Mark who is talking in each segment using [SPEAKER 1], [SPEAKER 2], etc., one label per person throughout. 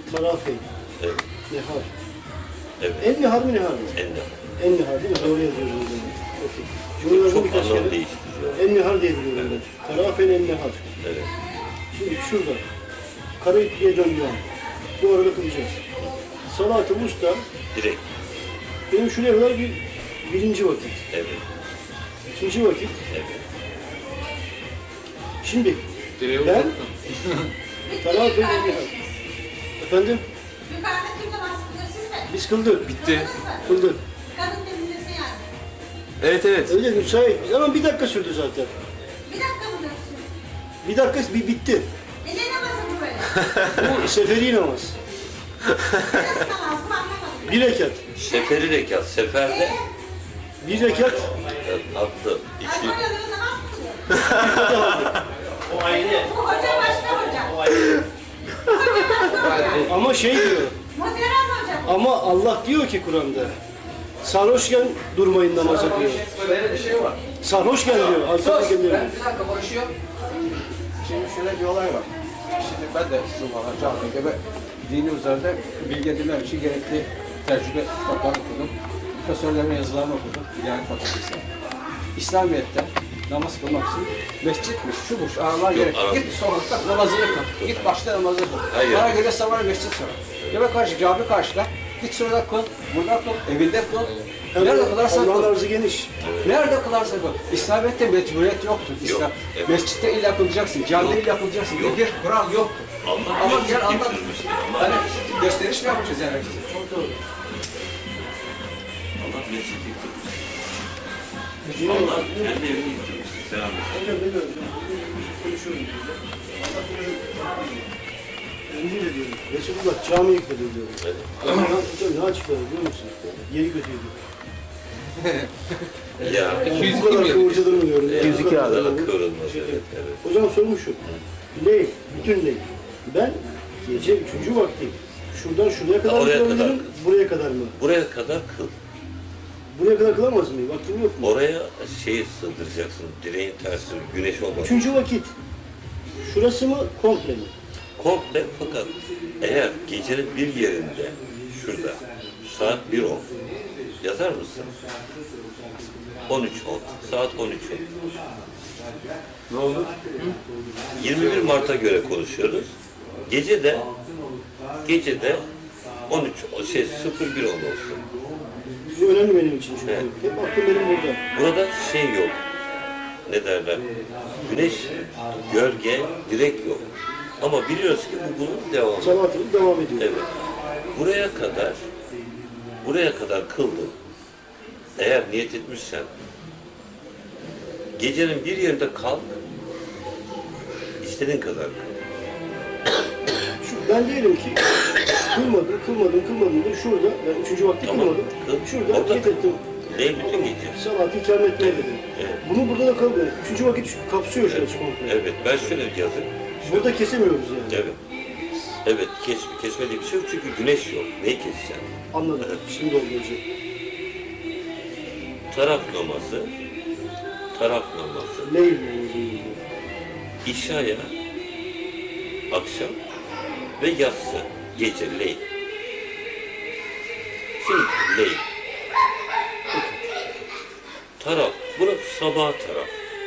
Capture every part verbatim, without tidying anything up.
[SPEAKER 1] Tarafe.
[SPEAKER 2] Evet.
[SPEAKER 1] Nehar.
[SPEAKER 2] Evet.
[SPEAKER 1] En nehar mı nehar mı?
[SPEAKER 2] En de.
[SPEAKER 1] En nehar değil mi? Doğru yazıyoruz o zaman. Okey. Bunu yazdım
[SPEAKER 2] Çok
[SPEAKER 1] birkaç
[SPEAKER 2] anlam
[SPEAKER 1] kere.
[SPEAKER 2] değiştiriyor.
[SPEAKER 1] En nehar diye biliyorum
[SPEAKER 2] Evet.
[SPEAKER 1] ben. Tarafen en nehar.
[SPEAKER 2] Evet.
[SPEAKER 1] Şimdi şurada. Karayipli'ye döndüğü an. Bu arada kılacağız. Salat-ı Musta
[SPEAKER 2] Direkt.
[SPEAKER 1] benim şuraya kadar bir birinci vakit.
[SPEAKER 2] Evet.
[SPEAKER 1] İkinci vakit.
[SPEAKER 2] Evet.
[SPEAKER 1] Şimdi
[SPEAKER 3] Direği
[SPEAKER 1] ben
[SPEAKER 3] uzattın.
[SPEAKER 1] Tarafen en nehar. Efendim?
[SPEAKER 4] Yukarıda kim namaz kılıyor siz mi?
[SPEAKER 1] Biz kıldık.
[SPEAKER 3] Bitti.
[SPEAKER 1] Kıldık.
[SPEAKER 4] Kadın temizlese yani.
[SPEAKER 3] Evet evet.
[SPEAKER 1] Öyle müsait. Ama bir dakika sürdü zaten.
[SPEAKER 4] Bir dakika mı dönsün?
[SPEAKER 1] Bir dakika bir bitti.
[SPEAKER 4] E ne namazı bu böyle?
[SPEAKER 1] Bu seferi namaz.
[SPEAKER 4] Nasıl namaz bu anlamadım.
[SPEAKER 1] Bir rekat.
[SPEAKER 2] Seferi rekat. Seferde
[SPEAKER 1] Bir rekat.
[SPEAKER 2] attı.
[SPEAKER 4] Ay
[SPEAKER 2] İçli.
[SPEAKER 4] böyle böyle namaz mı kılıyor?
[SPEAKER 1] O ayrı.
[SPEAKER 4] Bu hoca başka hoca. Hoca başka hoca.
[SPEAKER 1] Ama şey diyor.
[SPEAKER 4] Moderat hoca.
[SPEAKER 1] Ama Allah diyor ki Kur'an'da. Sarhoşken durmayın namaza diyor.
[SPEAKER 5] Böyle bir şey var.
[SPEAKER 1] Sarhoşken diyor.
[SPEAKER 5] Sus!
[SPEAKER 1] Alfabe geliyor.
[SPEAKER 5] Ben bir dakika konuşuyorum. Şimdi şöyle bir olay var. Şimdi ben de sizin bana camide ve dini üzerinde bilgi edinmem için gerekli tecrübe kitaplarını okudum. Profesörlerin yazılarını okudum. Yani fakültesi. İslamiyet'te namaz kılmak için mescitmiş, şubuş, ağlar gerek.
[SPEAKER 2] Arap.
[SPEAKER 5] Git sokakta namazını kıl. Git başta namazını kıl.
[SPEAKER 2] Hayır.
[SPEAKER 5] Bana göre sabah mescit sonra. Yemek karşı, cami karşıda. Git şurada kıl, burada kıl, evinde kıl. Nerede kılarsan
[SPEAKER 1] Allah'ın
[SPEAKER 5] kıl.
[SPEAKER 1] arzı geniş.
[SPEAKER 5] Nerede kılarsa kıl. İslamiyet'te mecburiyet yoktur. İslam.
[SPEAKER 2] Yok, evet.
[SPEAKER 5] Mescitte illa kılacaksın, camide illa kılacaksın.
[SPEAKER 2] Yok.
[SPEAKER 5] Bir kural yoktur.
[SPEAKER 2] Allah
[SPEAKER 5] Ama
[SPEAKER 2] mescit
[SPEAKER 5] gel anlat.
[SPEAKER 2] getirmiştir. Allah
[SPEAKER 5] Hani
[SPEAKER 2] mescit-
[SPEAKER 5] gösteriş mi yapacağız yani?
[SPEAKER 1] Çok doğru.
[SPEAKER 2] Allah mescit getirmiştir.
[SPEAKER 1] Yine
[SPEAKER 2] Allah kendi evini getirmiştir. Selam et.
[SPEAKER 1] Hocam ne diyorum? Konuşuyorum. Allah bilir. Emin ediyorum. Resulullah cami yıkılıyor diyorum.
[SPEAKER 2] Evet.
[SPEAKER 1] Ama hocam ne açıkladı biliyor musun? Yeri kötüydü.
[SPEAKER 2] Ya.
[SPEAKER 3] iki yüz
[SPEAKER 1] Bu
[SPEAKER 3] iki
[SPEAKER 1] kadar
[SPEAKER 3] mi?
[SPEAKER 1] kıvırcıdır mı diyorum.
[SPEAKER 2] iki yüz iki
[SPEAKER 1] Ya,
[SPEAKER 2] abi.
[SPEAKER 1] bu kadar
[SPEAKER 2] Daha kıvrılmaz,
[SPEAKER 1] şey-
[SPEAKER 2] evet, evet.
[SPEAKER 1] O zaman sorum şu. Ley, bütün ley. Ben gece üçüncü vakti şuradan şuraya kadar mı
[SPEAKER 2] Oraya kadar.
[SPEAKER 1] kılabilirim, buraya kadar mı?
[SPEAKER 2] Buraya kadar kıl.
[SPEAKER 1] Buraya kadar kılamaz mıyım? Vaktim yok mu?
[SPEAKER 2] Oraya şeyi sığdıracaksın. Direğin tersi, güneş olmaz.
[SPEAKER 1] Üçüncü vakit. Şurası mı, komple mi?
[SPEAKER 2] Komple, fakat eğer gecenin bir yerinde şurada saat bir on yazar mısın? on üç on. Saat on üç on.
[SPEAKER 3] Ne oldu?
[SPEAKER 2] yirmi bir Mart'a göre konuşuyoruz. Gece de gece de on üç o şey sıfır bir on olsun.
[SPEAKER 1] Bu önemli benim için çünkü.
[SPEAKER 2] Evet.
[SPEAKER 1] Hep aklım benim burada.
[SPEAKER 2] Burada şey yok. Ne derler? Güneş, gölge, direk yok. Ama biliyoruz ki bu bunun devamı.
[SPEAKER 1] Salatımız devam ediyor.
[SPEAKER 2] Evet. Buraya kadar buraya kadar kıldın. Eğer niyet etmişsen gecenin bir yerinde kalk, istediğin kadar kıl.
[SPEAKER 1] Şu, ben diyelim ki kılmadım, kılmadım, kılmadım da şurada, ben üçüncü vakti
[SPEAKER 2] Tamam,
[SPEAKER 1] kılmadım.
[SPEAKER 2] kıl.
[SPEAKER 1] Şurada
[SPEAKER 2] Orada
[SPEAKER 1] niyet
[SPEAKER 2] kıl.
[SPEAKER 1] ettim.
[SPEAKER 2] Ne bütün gece?
[SPEAKER 1] Salatı ikram etmeye dedim.
[SPEAKER 2] Evet.
[SPEAKER 1] Bunu burada da kılmıyorum. Üçüncü vakit şu- kapsıyor şurası komple.
[SPEAKER 2] Evet, ben şöyle yazık.
[SPEAKER 1] Burada kesemiyoruz yani.
[SPEAKER 2] Evet. Evet, kes, kesmediği bir şey yok çünkü güneş yok. Neyi keseceksin?
[SPEAKER 1] Anladım.
[SPEAKER 2] Evet.
[SPEAKER 1] Şimdi oldu hocam.
[SPEAKER 2] Taraf namazı, taraf namazı,
[SPEAKER 1] Leyl namazı.
[SPEAKER 2] İşaya, akşam ve yatsı, gece, leyl. Şimdi leyl. Taraf, burası sabah taraf.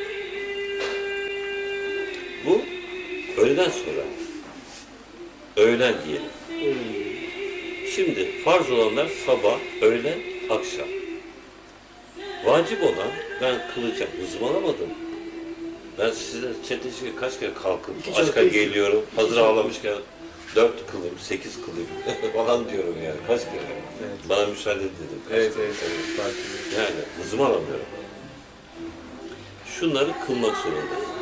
[SPEAKER 2] Bu öğleden sonra. Öğlen diyelim. Şimdi farz olanlar sabah, öğlen, akşam. Vacip olan ben kılacağım. Hızımı alamadım. Ben size çetesi kaç kere kalkıp
[SPEAKER 1] İki
[SPEAKER 2] aşka
[SPEAKER 1] çarpı iki.
[SPEAKER 2] geliyorum. Hazır ağlamışken dört kılayım, sekiz kılayım falan diyorum yani. Kaç kere? Bana müsaade et dedim. Kaç
[SPEAKER 3] Evet
[SPEAKER 2] kere?
[SPEAKER 3] evet evet. Fark ediyor.
[SPEAKER 2] Yani hızımı alamıyorum. Şunları kılmak zorundayız.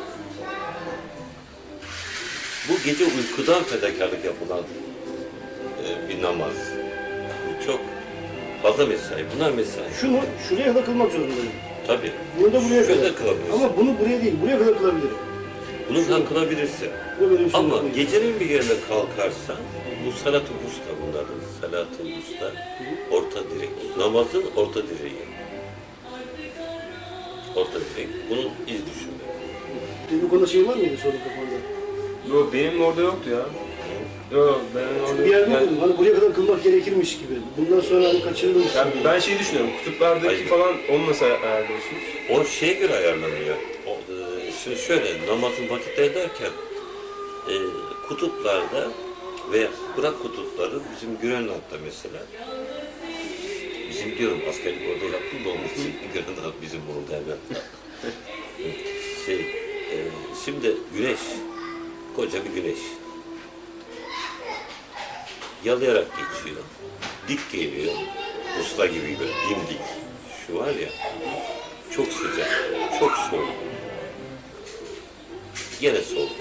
[SPEAKER 2] Bu gece uykudan fedakarlık yapılan e, bir namaz. Bu çok fazla mesai. Bunlar mesai.
[SPEAKER 1] Şunu şuraya kadar kılmak zorundayım.
[SPEAKER 2] Tabii.
[SPEAKER 1] Bunu da buraya
[SPEAKER 2] Şöyle
[SPEAKER 1] kadar.
[SPEAKER 2] kılabilirsin.
[SPEAKER 1] Ama bunu buraya değil, buraya kadar kılabilirim.
[SPEAKER 2] Bunu da kılabilirsin.
[SPEAKER 1] Bu benim
[SPEAKER 2] Ama
[SPEAKER 1] sunnetim.
[SPEAKER 2] gecenin bir yerine kalkarsan, bu salat-ı usta bunların. Salat-ı usta, orta direk. Namazın orta direği. Orta direk. Bunun iz düşümü.
[SPEAKER 1] Bu konuda şey var mıydı sorun kafanda?
[SPEAKER 3] Yo, benim orada yoktu ya. Yok ben orada...
[SPEAKER 1] Bir yerde
[SPEAKER 3] yani-
[SPEAKER 1] okudum. Hani buraya kadar kılmak gerekirmiş gibi. Bundan sonra hani kaçırılmış.
[SPEAKER 3] Yani ben şeyi düşünüyorum, kutuplardaki
[SPEAKER 2] Hayır.
[SPEAKER 3] falan onu nasıl ayarlıyorsunuz?
[SPEAKER 2] O şeye göre ayarlanıyor. O, e, şimdi şöyle, namazın vakitleri derken e, kutuplarda ve bırak kutupları bizim Grönland'da mesela bizim diyorum askerlik orada yaptım da onun için Grönland bizim burada hemen. şey, e, şimdi güneş, koca bir güneş yalayarak geçiyor, dik geliyor, usta gibi böyle dimdik. Şu var ya, çok sıcak, çok soğuk. Yine soğuk.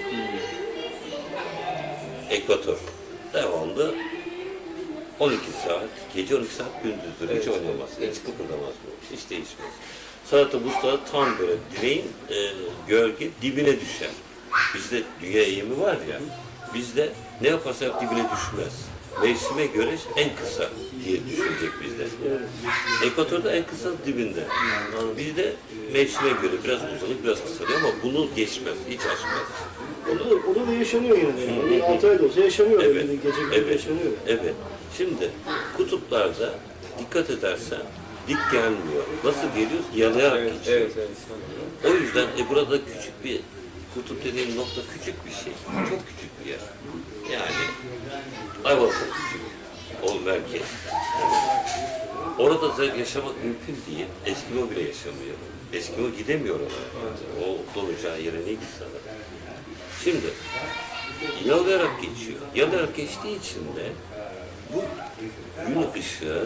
[SPEAKER 2] Ekvator. Devamlı on iki saat, gece on iki saat gündüzdür. Hiç
[SPEAKER 3] Evet,
[SPEAKER 2] oynamaz,
[SPEAKER 3] evet.
[SPEAKER 2] hiç kıpırdamaz bu. Hiç değişmez. Sanatı buzda tam böyle direğin e, gölge dibine düşer. Bizde dünya eğimi var ya, bizde ne yaparsa yap dibine düşmez. Mevsime göre en kısa diye düşünecek bizde. Ekvatorda en kısa dibinde. Yani bizde mevsime göre biraz uzanıp biraz kısalıyor ama bunu geçmez, hiç aşmaz.
[SPEAKER 1] Orada, orada da yaşanıyor yine de. Yani. altı ayda olsa yaşanıyor.
[SPEAKER 2] Evet,
[SPEAKER 1] Yani. Gece gündüz
[SPEAKER 2] evet,
[SPEAKER 1] yaşanıyor.
[SPEAKER 2] evet. Şimdi kutuplarda dikkat edersen dik gelmiyor. Nasıl geliyor? Yalayarak
[SPEAKER 3] Evet,
[SPEAKER 2] geçiyor.
[SPEAKER 3] evet, evet.
[SPEAKER 2] O yüzden e, burada küçük bir kutup dediğim nokta küçük bir şey. Çok küçük bir yer. Yani Ayvalık'ta küçük. O merkez. Orada da yaşamak mümkün değil. Eskimo bile yaşamıyor. Eskimo gidemiyor oraya. O dolacağı yere ne gitsin adam. Şimdi yalayarak geçiyor. Yalayarak geçtiği için de bu gün ışığı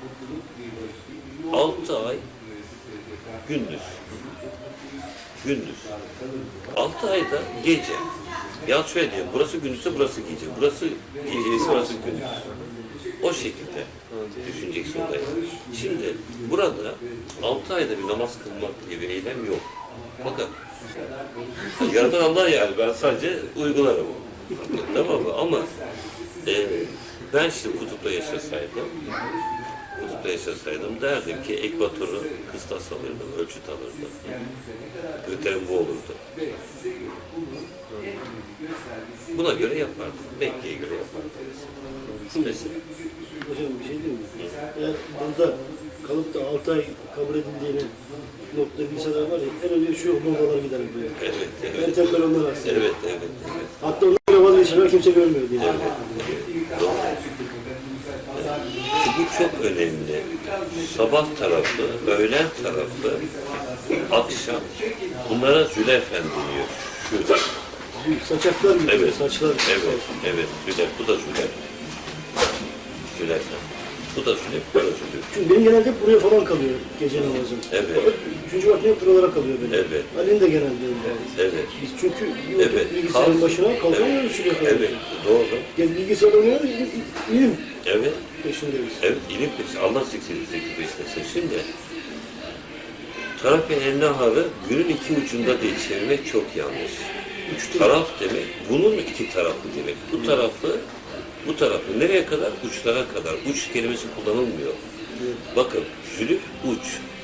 [SPEAKER 2] altı ay gündüz. Gündüz. Altı ayda gece. Ya şöyle diyeyim, burası gündüzse burası gece. Burası geceyse burası gündüz. O şekilde düşüneceksin olayı. Şimdi burada altı ayda bir namaz kılmak diye bir eylem yok. Fakat yaratan Allah yani, ben sadece uygularım. Tamam mı? Ama e, ben şimdi kutupta yaşasaydım, kutupta yaşasaydım derdim ki ekvatoru kıstas alırdım, ölçüt alırdım. Kriterim bu olurdu. Buna göre yapardım. Mekke'ye göre yapardım. Mesela.
[SPEAKER 1] Hocam bir şey diyeyim mi? Eğer burada kalıp da altı ay kabul edildiğini nokta bilseler var ya, en önce şu bombalar gider diyor.
[SPEAKER 2] Evet,
[SPEAKER 1] En
[SPEAKER 2] evet.
[SPEAKER 1] tembel onlar aslında.
[SPEAKER 2] Evet, evet, evet.
[SPEAKER 1] Hatta onlara vazgeçenler kimse görmüyor diye.
[SPEAKER 2] Evet, doğru. Bu çok önemli. Sabah tarafı, öğlen tarafı, akşam. Bunlara Züleyfen deniyor. Şurada.
[SPEAKER 1] Saçaklar gibi.
[SPEAKER 2] Evet,
[SPEAKER 1] Saçlar.
[SPEAKER 2] evet, evet. Züleyf, bu da Züleyf. Züleyfen. Bu da Züleyf, bu da Züleyf.
[SPEAKER 1] Çünkü benim genelde hep buraya falan kalıyor gece namazım.
[SPEAKER 2] Evet.
[SPEAKER 1] Hep üçüncü vakti hep buralara kalıyor benim.
[SPEAKER 2] Evet.
[SPEAKER 1] Ali'nin de genelde öyle.
[SPEAKER 2] Evet.
[SPEAKER 1] Biz çünkü bir vakit
[SPEAKER 2] Evet.
[SPEAKER 1] bilgisayarın
[SPEAKER 2] Kalk-
[SPEAKER 1] başına kalkamıyoruz şuraya kadar.
[SPEAKER 2] Evet, doğru.
[SPEAKER 1] Gel bilgisayar oynuyoruz, ilim
[SPEAKER 2] Evet.
[SPEAKER 1] peşindeyiz.
[SPEAKER 2] Evet, ilim peşi. Allah zikri zikri beslesin. Şimdi taraf ve naharı günün iki ucunda diye çevirmek çok yanlış.
[SPEAKER 1] Üçte
[SPEAKER 2] Taraf demek, bunun iki tarafı demek. Bu tarafı, bu tarafı nereye kadar? Uçlara kadar. Uç kelimesi kullanılmıyor. Bakın, zülüf uç.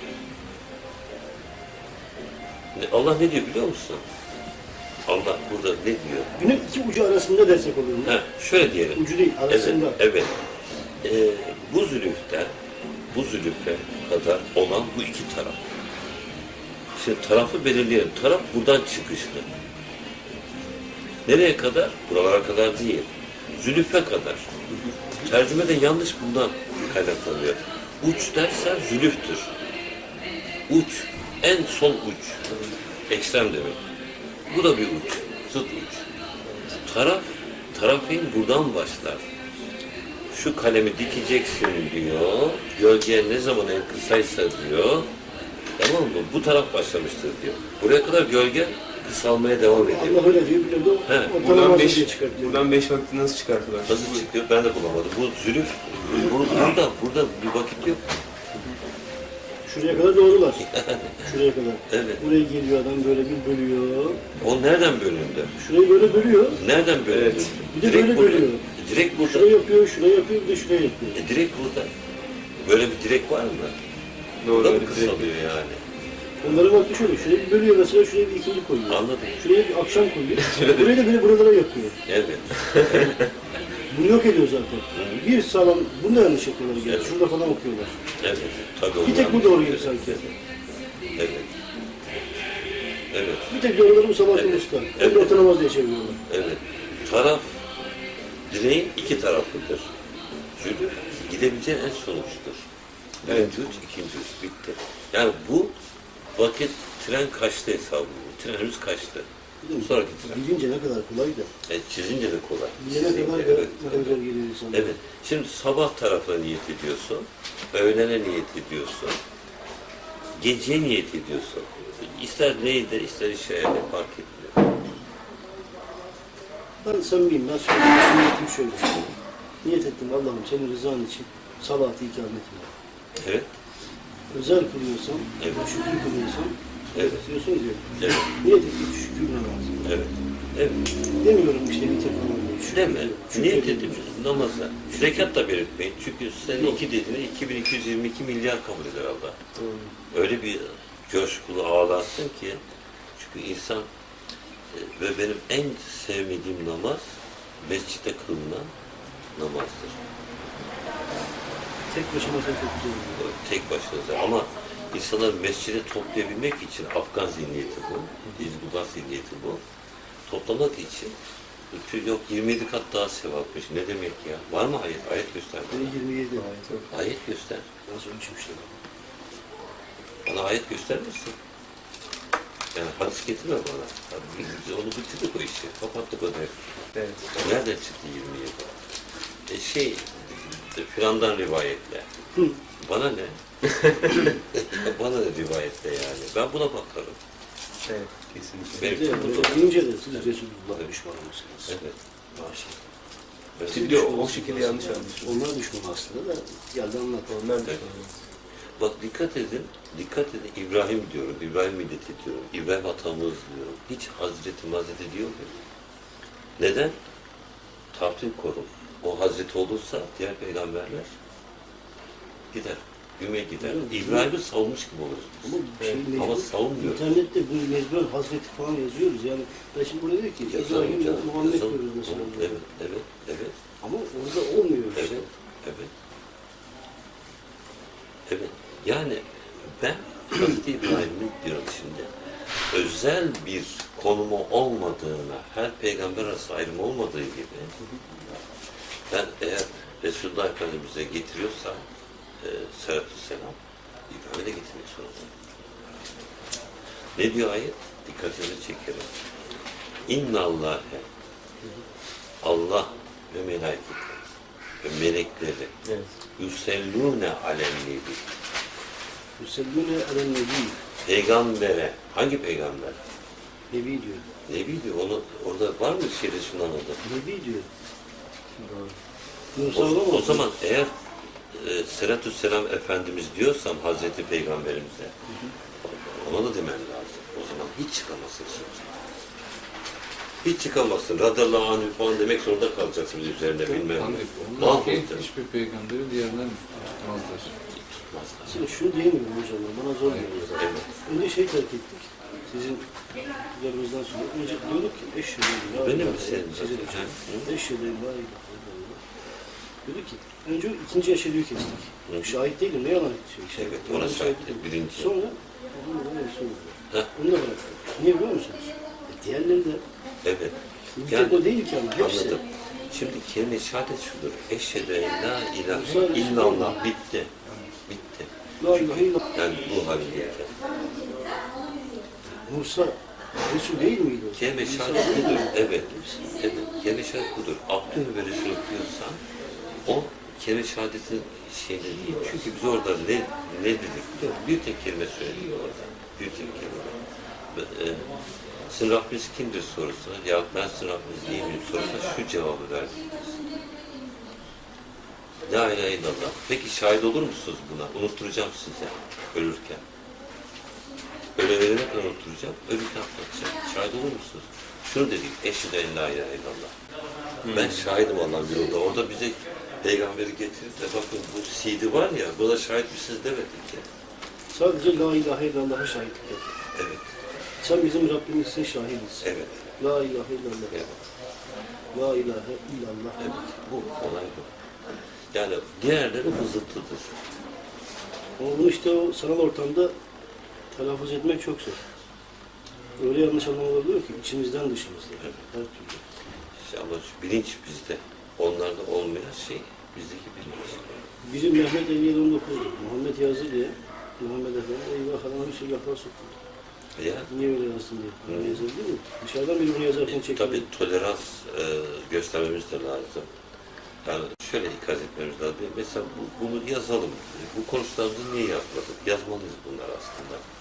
[SPEAKER 2] Ne- Allah ne diyor biliyor musun? Allah burada ne diyor?
[SPEAKER 1] günün iki ucu arasında dersek oluyor.
[SPEAKER 2] Ha, şöyle diyelim.
[SPEAKER 1] Ucu değil, arasında.
[SPEAKER 2] Evet, evet. Ee, bu zülüften, bu zülüfe kadar olan bu iki taraf. Şimdi tarafı belirleyelim. Taraf buradan çıkışlı. Nereye kadar? Buralara kadar değil. Zülüfe kadar. Tercüme de yanlış bundan kaynaklanıyor. Uç dersen zülüftür. Uç, en son uç. Ekstrem demek. Bu da bir uç, zıt uç. Taraf, tarafın buradan başlar. Şu kalemi dikeceksin diyor, gölge ne zaman en kısaysa diyor, tamam mı? Bu taraf başlamıştır diyor. Buraya kadar gölge kısalmaya devam ediyor.
[SPEAKER 1] Allah öyle diyor, biliyor musun?
[SPEAKER 2] He.
[SPEAKER 1] Orta
[SPEAKER 3] Buradan
[SPEAKER 1] namazı
[SPEAKER 3] beş,
[SPEAKER 1] diye çıkartıyor.
[SPEAKER 3] buradan beş vakti nasıl çıkarttılar?
[SPEAKER 2] Nasıl çıkıyor ben de bulamadım. Bu zülüf, bu- burada, burada bir vakit yok.
[SPEAKER 1] Şuraya kadar doğrular. Şuraya kadar.
[SPEAKER 2] Evet.
[SPEAKER 1] Buraya geliyor adam böyle bir bölüyor.
[SPEAKER 2] O nereden bölündü?
[SPEAKER 1] Şurayı böyle bölüyor.
[SPEAKER 2] Nereden bölündü?
[SPEAKER 3] Evet.
[SPEAKER 1] Bir de böyle
[SPEAKER 2] burada.
[SPEAKER 1] bölüyor.
[SPEAKER 2] Direkt burada.
[SPEAKER 1] Şurayı yapıyor, şurayı yapıyor, bir de şuraya yapıyor.
[SPEAKER 2] E, direkt burada. Böyle bir direk var mı?
[SPEAKER 3] Doğru,
[SPEAKER 2] Burada mı
[SPEAKER 3] öyle direkt.
[SPEAKER 2] kısalıyor yani?
[SPEAKER 1] Onların vakti şöyle, şuraya bir bölüyor mesela, şuraya bir ikindi koyuyor.
[SPEAKER 2] Anladım.
[SPEAKER 1] Şuraya bir akşam koyuyor. Buraya da böyle buralara yapıyor.
[SPEAKER 2] Evet.
[SPEAKER 1] Bunu yok ediyor zaten. Bir sağlam, bunu da yanlış yapıyorlar gene.
[SPEAKER 2] Evet.
[SPEAKER 1] Şurada falan okuyorlar.
[SPEAKER 2] Evet. Tabii
[SPEAKER 1] Bir tek bu
[SPEAKER 2] onlar-
[SPEAKER 1] doğru gibi sanki.
[SPEAKER 2] Evet. Evet.
[SPEAKER 1] Bir tek doğruları bu Sabahattin
[SPEAKER 2] Evet.
[SPEAKER 1] Usta.
[SPEAKER 2] Evet.
[SPEAKER 1] Onu otanamaz diye çeviriyorlar.
[SPEAKER 2] Evet. Taraf, direğin iki taraflıdır. Çünkü gidebileceğin en son uçtur. Birinci uç, ikinci uç. Bitti. Yani bu vakit tren kaçtı hesabı. bu. Trenimiz kaçtı. Sonraki tren.
[SPEAKER 1] Bilince ne kadar kolay da.
[SPEAKER 2] E, çizince de kolay.
[SPEAKER 1] Bilene
[SPEAKER 2] Çizince,
[SPEAKER 1] kadar da
[SPEAKER 2] evet.
[SPEAKER 1] ne kadar zor geliyor insana.
[SPEAKER 2] Evet. Şimdi sabah tarafına niyet ediyorsun. Öğlene niyet ediyorsun. Geceye niyet ediyorsun. İster neydi, ister işe yani fark etmiyor.
[SPEAKER 1] Ben samimiyim. Ben söyleyeyim. Niyetim şöyle. Niyet ettim Allah'ım senin rızan için salatı ikamet etme.
[SPEAKER 2] Evet.
[SPEAKER 1] Özel kılıyorsam,
[SPEAKER 2] Evet.
[SPEAKER 1] şükür kılıyorsam,
[SPEAKER 2] Evet.
[SPEAKER 1] diyorsunuz ya,
[SPEAKER 2] Evet.
[SPEAKER 1] niyet ettim şükür namazı.
[SPEAKER 2] Evet. Evet.
[SPEAKER 1] Demiyorum işte bitir falan diye. Şükür
[SPEAKER 2] Değil mi?
[SPEAKER 1] diyorum. Şükür
[SPEAKER 2] Niyet
[SPEAKER 1] diyorum.
[SPEAKER 2] edip namaza. Rekat da belirtmeyin. Çünkü sen iki dediğinde iki bin iki yüz yirmi iki milyar kabul eder Allah. Öyle bir coşkulu ağlarsın ki çünkü insan e, ve benim en sevmediğim namaz mescitte kılınan namazdır.
[SPEAKER 1] Tek başıma sen çok güzel oluyor.
[SPEAKER 2] Tek başınıza ama insanları mescide toplayabilmek için Afgan zihniyeti bu, İzbugat zihniyeti bu. Toplamak için yok yirmi yedi kat daha sevapmış. Ne demek ya? Var mı ayet? Ayet göster
[SPEAKER 1] Beni
[SPEAKER 2] bana.
[SPEAKER 1] yirmi yedi.
[SPEAKER 2] Ayet göster.
[SPEAKER 1] Nasıl ölçmüşler?
[SPEAKER 2] Bana ayet göstermesin. Yani hadis getirme bana. Hadi biz onu bitirdik o işi. Kapattık o dergi.
[SPEAKER 3] Evet.
[SPEAKER 2] Nereden çıktı yirmi yedi? E şey, filandan rivayetle.
[SPEAKER 1] Hı.
[SPEAKER 2] Bana ne? Bana ne rivayetle yani? Ben buna bakarım.
[SPEAKER 3] Evet. Kesinlikle.
[SPEAKER 2] Benim
[SPEAKER 1] Bir de
[SPEAKER 2] için bu.
[SPEAKER 1] deyince de siz Resulullah'a düşman mısınız?
[SPEAKER 2] Evet.
[SPEAKER 1] Maşallah.
[SPEAKER 2] Evet.
[SPEAKER 3] Şimdi o, o şekilde yanlış anlaşılıyor.
[SPEAKER 1] Onlar düşman aslında da geldi anlat.
[SPEAKER 3] Onlar da
[SPEAKER 2] Evet. Bak dikkat edin, dikkat edin. İbrahim diyorum, İbrahim millet ediyorum. İbrahim atamız diyorum. Hiç Hazreti Hazreti diyor mu? Neden? Tahtil korum. O Hazreti olursa diğer peygamberler gider. Güme gider. İbrahim'i savunmuş gibi olur.
[SPEAKER 1] Ama bir şey mecbur,
[SPEAKER 2] Ama savunmuyor.
[SPEAKER 1] İnternette bu mecburen Hazreti falan yazıyoruz yani. Ben şimdi burada diyor ki
[SPEAKER 2] Yazalım
[SPEAKER 1] İbrahim'le
[SPEAKER 2] canım,
[SPEAKER 1] Muhammed
[SPEAKER 2] yazalım.
[SPEAKER 1] diyoruz mesela.
[SPEAKER 2] Evet, evet, evet,
[SPEAKER 1] Ama orada olmuyor işte.
[SPEAKER 2] evet, evet. Evet. Yani ben Hazreti İbrahim'in diyorum şimdi özel bir konumu olmadığına, her peygamber arası ayrım olmadığı gibi ben eğer Resulullah Efendimiz'e getiriyorsam e, sallallahu selam İbrahim'e de getirmek zorundayım. Ne diyor ayet? Dikkatinizi çekerim. İnna Allah'e Allah ve melaiketi ve melekleri
[SPEAKER 3] Evet.
[SPEAKER 2] yusellûne alennebi
[SPEAKER 1] Yüsellûne elen nebi.
[SPEAKER 2] peygambere hangi peygamber?
[SPEAKER 1] Nebi diyor.
[SPEAKER 2] Nebi diyor. Onu, orada var mı şeyde sunan adı?
[SPEAKER 1] Nebi diyor.
[SPEAKER 2] O,
[SPEAKER 1] Musa olamaz
[SPEAKER 2] o
[SPEAKER 1] mı?
[SPEAKER 2] zaman eğer e, Selatü Selam Efendimiz diyorsam Hazreti Peygamberimize ona da demen lazım. O zaman hiç çıkamazsın şimdi. Hiç çıkamazsın. Radallahu anhü falan demek zorunda kalacaksın üzerine bilmem ne.
[SPEAKER 6] Onlar ki
[SPEAKER 2] Mahvolacak.
[SPEAKER 6] hiçbir peygamberi diğerinden üstün tutmazlar.
[SPEAKER 2] Tutmazlar.
[SPEAKER 1] Şimdi şunu diyemiyorum hocam, bana zor geliyor.
[SPEAKER 2] Evet.
[SPEAKER 1] Önce şey terk ettik, sizin üzerinizden sonra. Önce diyorduk ki eşhedü la
[SPEAKER 2] Benim
[SPEAKER 1] ilahe
[SPEAKER 2] mi senin
[SPEAKER 1] size de
[SPEAKER 2] zaten?
[SPEAKER 1] çok- eşhedü la ilahe illallah. Diyorduk ki, önce ikinci eşhedüyü kestik.
[SPEAKER 2] Hı.
[SPEAKER 1] Şahit değilim, ne yalan şey. şey.
[SPEAKER 2] Evet,
[SPEAKER 1] Yalan
[SPEAKER 2] ona şahit
[SPEAKER 1] değilim.
[SPEAKER 2] birinci.
[SPEAKER 1] Sonra, onu da Resulullah.
[SPEAKER 2] Heh.
[SPEAKER 1] Onu da bıraktık. Niye biliyor musunuz? E, diğerleri de,
[SPEAKER 2] Evet.
[SPEAKER 1] bir
[SPEAKER 2] Yani-
[SPEAKER 1] tek o değil ki ama hepsi.
[SPEAKER 2] Anladım. Şimdi kelime-i şehadet şudur. Eşhedü en la ilahe illallah. Bitti. Bitti.
[SPEAKER 1] La ilahe illallah.
[SPEAKER 2] Yani bu haldeyken.
[SPEAKER 1] Musa, Resul değil miydi o?
[SPEAKER 2] Kelime-i
[SPEAKER 1] Musa
[SPEAKER 2] şehadet
[SPEAKER 1] değil
[SPEAKER 2] budur.
[SPEAKER 1] miydi?
[SPEAKER 2] Evet. Evet. Kelime-i şehadet budur. Abdüh ve Resul diyorsan o kelime-i şehadetin şeyini değil. Çünkü biz orada ne, ne dedik? Bir tek kelime söyledik orada. Bir tek kelime. E, sizin Rabbiniz kimdir sorusuna, ya ben sizin Rabbiniz değil miyim sorusuna şu cevabı verdik biz. La ilahe illallah. Peki şahit olur musunuz buna? Unutturacağım size ölürken. Öyle ölene kadar unutturacağım, ölürken anlatacağım. Şahit olur musunuz? Şunu dedik, eşhedü en la ilahe illallah. Ben şahidim Allah'ın bir yolda. Orada bize peygamberi getirip de bakın bu C D var ya, buna şahit misiniz demedik ki.
[SPEAKER 1] Sadece La ilahe illallah'a şahitlik et.
[SPEAKER 2] Evet,
[SPEAKER 1] Sen bizim Rabbimizsin, şahidiz.
[SPEAKER 2] evet,
[SPEAKER 1] La ilahe illallah.
[SPEAKER 2] evet,
[SPEAKER 1] La ilahe illallah.
[SPEAKER 2] evet. Bu, olay bu. Yani diğerleri hızlıdır.
[SPEAKER 1] Ama bunu işte o sanal ortamda telaffuz etmek çok zor. Öyle yanlış anlamalar oluyor ki içimizden dışımızda.
[SPEAKER 2] Evet.
[SPEAKER 1] Her türlü.
[SPEAKER 2] İşte ama bilinç bizde. Onlarda olmayan şey bizdeki bilinç.
[SPEAKER 1] Biri Mehmet elli yedi on dokuz'du. Muhammed yazdı diye. Muhammed Efendi eyvah adama bir sürü laflar soktu.
[SPEAKER 2] Ya
[SPEAKER 1] Niye öyle yazdın diye. Öyle yazabilir mi? Dışarıdan biri bunu yazarken çekiyor.
[SPEAKER 2] tabii tolerans e, göstermemiz de lazım. Yani şöyle ikaz etmemiz lazım. Mesela bu, bunu yazalım. Bu konuşmalarımızı niye yazmadık? Yazmalıyız bunlar aslında.